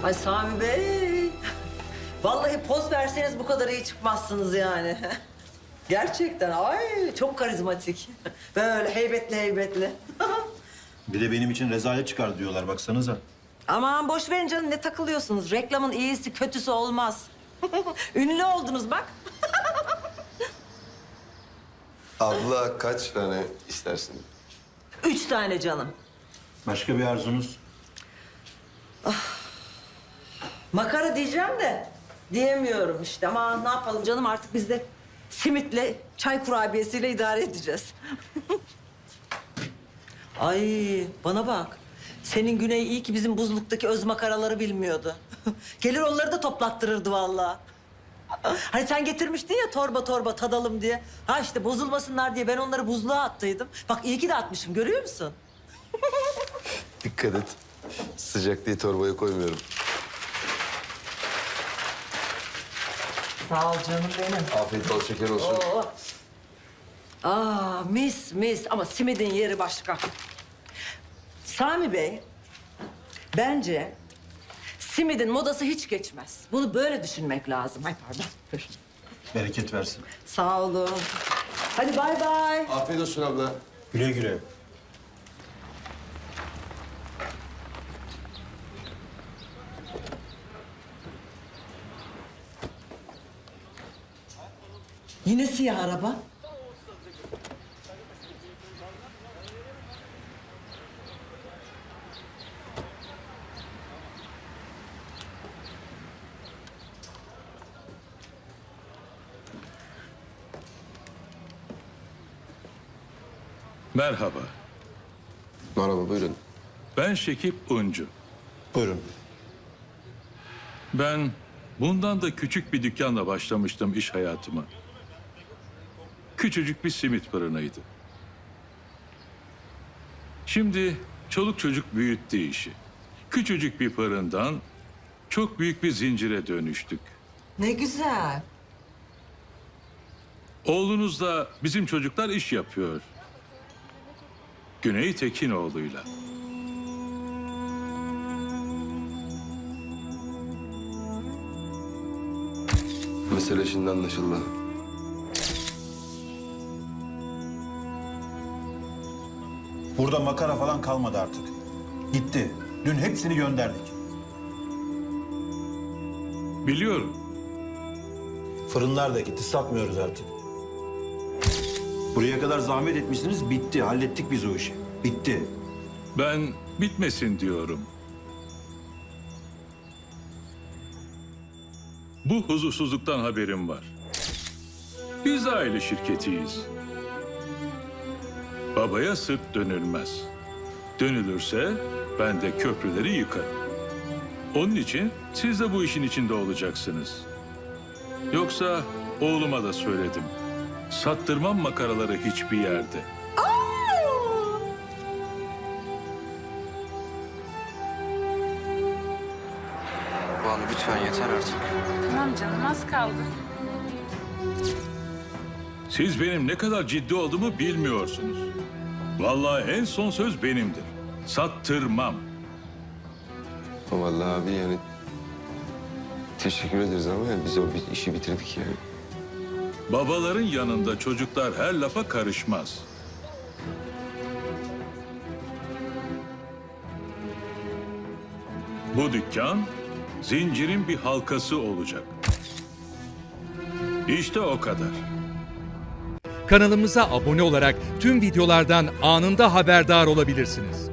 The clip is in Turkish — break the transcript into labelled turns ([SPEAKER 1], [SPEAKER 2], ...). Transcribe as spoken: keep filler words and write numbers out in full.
[SPEAKER 1] Ay Sami Bey. Vallahi poz verseniz bu kadar iyi çıkmazsınız yani. Gerçekten ay çok karizmatik. Böyle heybetli heybetli.
[SPEAKER 2] Bir de benim için rezalet çıkar diyorlar baksanıza.
[SPEAKER 1] Aman boş verin canım, ne takılıyorsunuz? Reklamın iyisi kötüsü olmaz. Ünlü oldunuz bak.
[SPEAKER 3] Abla kaç tane istersin?
[SPEAKER 1] Üç tane canım.
[SPEAKER 2] Başka bir arzunuz?
[SPEAKER 1] Makara diyeceğim de diyemiyorum işte. Ama ne yapalım canım, artık biz de simitle, çay kurabiyesiyle idare edeceğiz. Ay bana bak. Senin Güney iyi ki bizim buzluktaki öz makaraları bilmiyordu. Gelir onları da toplattırırdı vallahi. Hani sen getirmiştin ya torba torba tadalım diye. Ha işte bozulmasınlar diye ben onları buzluğa attıydım. Bak iyi ki de atmışım, görüyor musun?
[SPEAKER 3] Dikkat et. Sıcak diye torbaya koymuyorum.
[SPEAKER 1] Sağ ol canım benim.
[SPEAKER 3] Afiyet bol şeker olsun.
[SPEAKER 1] Oo. Aa mis mis, ama simidin yeri başka. Sami Bey, bence simidin modası hiç geçmez. Bunu böyle düşünmek lazım. Ay pardon. Dur.
[SPEAKER 2] Bereket versin.
[SPEAKER 1] Sağ olun. Hadi bay bay.
[SPEAKER 3] Afiyet olsun abla.
[SPEAKER 2] Güle güle.
[SPEAKER 1] Yine siyah araba.
[SPEAKER 4] Merhaba,
[SPEAKER 3] Merhaba buyurun.
[SPEAKER 4] ben Şekip Uncu.
[SPEAKER 2] Buyurun.
[SPEAKER 4] Ben bundan da küçük bir dükkanla başlamıştım iş hayatıma. Küçücük bir simit fırınıydı. Şimdi çoluk çocuk büyüttü işi. Küçücük bir fırından çok büyük bir zincire dönüştük.
[SPEAKER 1] Ne güzel.
[SPEAKER 4] Oğlunuzla bizim çocuklar iş yapıyor. Güney Tekinoğlu'yla.
[SPEAKER 3] Mesele şimdi anlaşıldı.
[SPEAKER 2] Burada makara falan kalmadı artık. Gitti. Dün hepsini gönderdik.
[SPEAKER 4] Biliyorum.
[SPEAKER 2] Fırınlar da gitti. Satmıyoruz artık. Buraya kadar zahmet etmişsiniz. Bitti. Hallettik biz o işi. Bitti.
[SPEAKER 4] Ben bitmesin diyorum. Bu huzursuzluktan haberim var. Biz aile şirketiyiz. Babaya sırt dönülmez. Dönülürse ben de köprüleri yıkarım. Onun için siz de bu işin içinde olacaksınız. Yoksa oğluma da söyledim. Sattırmam makaraları hiçbir yerde.
[SPEAKER 5] Banu lütfen yeter artık.
[SPEAKER 6] Tamam canım, az kaldı.
[SPEAKER 4] Siz benim ne kadar ciddi olduğumu bilmiyorsunuz. Vallahi en son söz benimdir. Sattırmam.
[SPEAKER 3] Vallahi abi yani teşekkür ederiz ama yani biz o bir işi bitirdik yani.
[SPEAKER 4] Babaların yanında çocuklar her lafa karışmaz. Bu dükkan zincirin bir halkası olacak. İşte o kadar.
[SPEAKER 7] Kanalımıza abone olarak tüm videolardan anında haberdar olabilirsiniz.